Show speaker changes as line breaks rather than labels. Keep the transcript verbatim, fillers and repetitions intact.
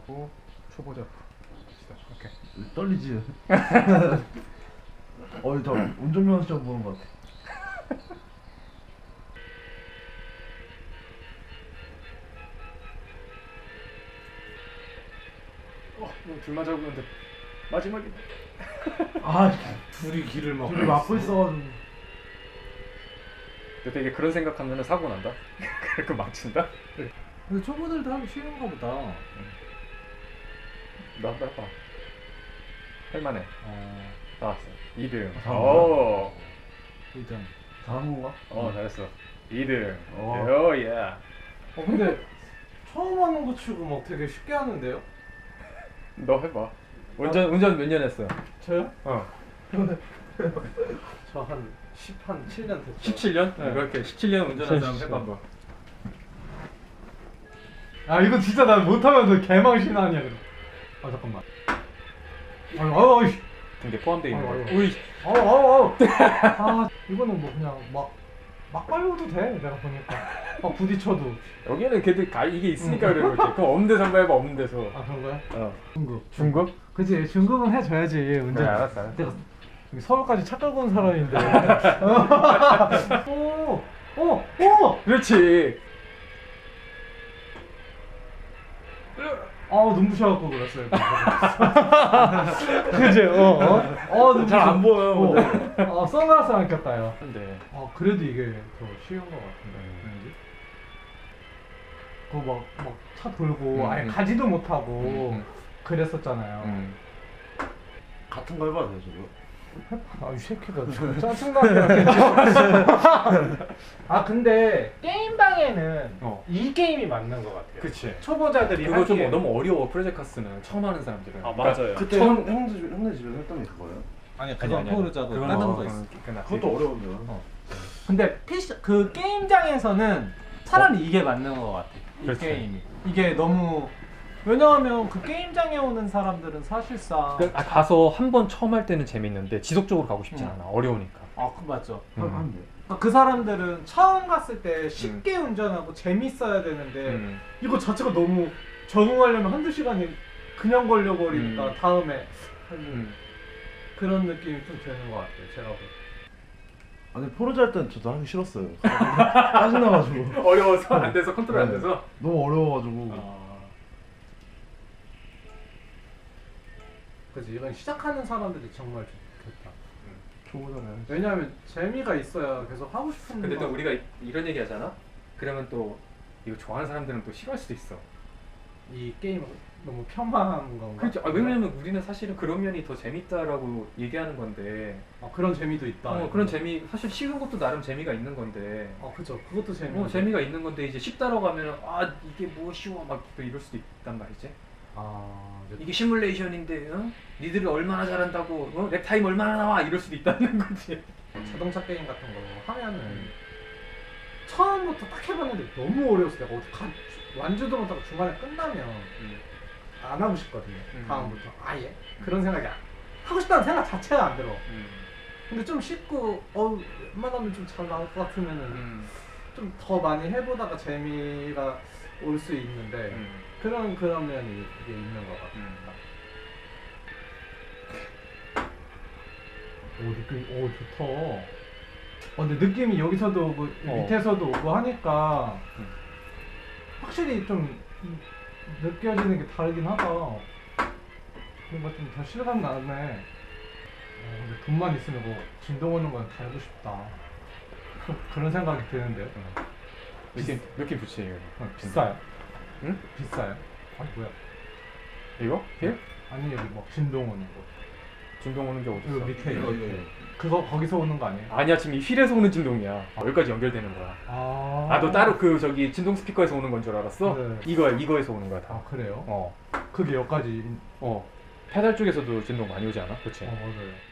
하고 초보자 시다. 오케이.
떨리지? 어이 저 운전면허 시험 보는 것 같아.
어, 이거 둘만 잡고 있는데 마지막에
아
둘이 길을 막
둘이 막고 있어가지고.
근데 되게 그런 생각하면 사고 난다. 그렇게 망친다.
근데 초보들도 하기 쉬운가 보다.
나 해봐. 할만해.
어...
나왔어. 이 등.
아,
오.
일단
잘한 건가?
어 잘했어. 이 등.
어.
오 예.
어 근데 처음 하는 거 치고 막 되게 쉽게 하는데요?
너 해봐. 운전 운전 몇 년 했어?
저요?
어.
저 한 십, 한 칠 년 됐어요.
십칠 년?
네.
그렇게 십칠 년 운전한 사람 해봐.
해봐. 아 이거 진짜 난 못하면서 개망신 아니야 그럼. 아 잠깐만. 아유 아유 아유.
등게 포함되어 있는
아유,
거.
아유.
우이.
아우 아우 아우. 아 이거는 뭐 그냥 막 막 빨려도 돼 내가 보니까. 막 부딪혀도.
여기는 걔들 가 이게 있으니까 그래 그렇지. 그럼 없는 데서 한번 해봐. 없는 데서.
아 그런 거야?
어.
중급.
중급?
그치 중급은 해줘야지 운전.
그래 알았어. 알았어.
내가 여기 서울까지 차 끌고 온 사람인데. 오, 오, 오.
그렇지.
아 눈부셔갖고 그랬어요. 그지? 어, 어, 어
잘 안 보여요,
어,
근데.
어, 선글라스 안 꼈다요.
근데
어 그래도 이게 더 쉬운 것 같은데.
음.
그거 막막 차 돌고
음,
아예
음.
가지도 못하고
음, 음.
그랬었잖아요.
음.
같은 거 해봐도 돼 저거.
아 이 새끼가 좀 짜증나게. 아 근데 게임방에는
어.
이 게임이 맞는 것 같아요.
그치.
초보자들이
그거 좀
하기에.
너무 어려워. 프로젝카스는 처음 하는 사람들은.
아, 맞아요.
그때
처음-
형 형네 집 형네 집에서 했던 게 그거예요?
아니
아니,
그건
아니, 아니.
포르자도
그건
다른
어,
거 있어.
그건 끝났지.
그것도 어려운데요.
어.
근데 피시 그 게임장에서는 차라리 이게 맞는 것 같아. 이
그렇지.
게임이. 이게 너무 왜냐하면 그 게임장에 오는 사람들은 사실상
그, 아, 가서 한 번 처음 할 때는 재밌는데 지속적으로 가고 싶지
음.
않아. 어려우니까.
아, 그 맞죠.
음.
한 대.
그 사람들은 처음 갔을 때 쉽게 운전하고 재밌어야 되는데
음.
이거 자체가 너무 적응하려면 한두 시간이 그냥 걸려버리니까
음.
다음에 하는
음.
그런 느낌이 좀 드는 것 같아요. 제가 볼 때.
아니 포르자 할 때는 저도 하기 싫었어요. 짜증나가지고.
어려워서 안 돼서 컨트롤 안
네.
돼서.
너무 어려워가지고.
아. 그래서 이건 시작하는 사람들이 정말 좋겠다.
초보잖아요.
왜냐하면 재미가 있어야 계속 하고 싶은
근데 또
거-
우리가 이- 이런 얘기 하잖아? 그러면 또 이거 좋아하는 사람들은 또 싫어할 수도 있어.
이 게임을 너무 폄하한 건가?
그렇죠. 아, 왜냐면 우리는 사실은 그런 면이 더 재밌다라고 얘기하는 건데.
아, 그런 재미도 있다.
어, 그런 재미, 사실 쉬운 것도 나름 재미가 있는 건데.
아 그죠. 그것도 재미.
어, 재미가 있는 건데 이제 쉽다라고 하면 아 이게 뭐 쉬워 막 또 이럴 수도 있단 말이지.
아 이제
이게 시뮬레이션인데 어? 니들이 얼마나 잘한다고 어? 랩타임 얼마나 나와 이럴 수도 있다는 거지.
자동차 게임 같은 거 하면은 처음부터 딱 해봤는데 너무 어려웠어. 내가 어디 가 완주도 못하고 중간에 끝나면 안 하고 싶거든요.
음.
다음부터 아예 그런 생각이 안, 하고 싶다는 생각 자체가 안 들어.
음.
근데 좀 쉽고 어 웬만하면 좀 잘 나올 것 같으면은
음.
좀 더 많이 해보다가 재미가 올 수 있는데
음.
그런 그런 면이 이게 있는 것 같아.
음.
오 느낌 오 좋다. 어 근데 느낌이 여기서도 오고
어.
밑에서도 오고 하니까
음.
확실히 좀 느껴지는 게 다르긴 하다. 뭔가 좀 더 실감 나네. 어, 근데 돈만 있으면 뭐 진동 오는 건 달고 싶다. 그런 생각이 드는데요.
몇개 몇개 붙이 이거.
어, 비싸요?
응?
비싸요? 아니 뭐야?
이거? 힐?
아니 여기 막 진동 오는 거.
진동 오는 게 어디
이거
있어?
밑에
이거,
이거
이거.
그거 거기서 오는 거 아니에요?
아니야 지금 이 휠에서 오는 진동이야. 아, 여기까지 연결되는 거야.
아,
아 너 따로 그 저기 진동 스피커에서 오는 건 줄 알았어?
네.
이거야 이거에서 오는 거야 다.
아 그래요?
어.
그게 여기까지
어. 페달 쪽에서도 진동 많이 오지 않아? 그치?
어 맞아요.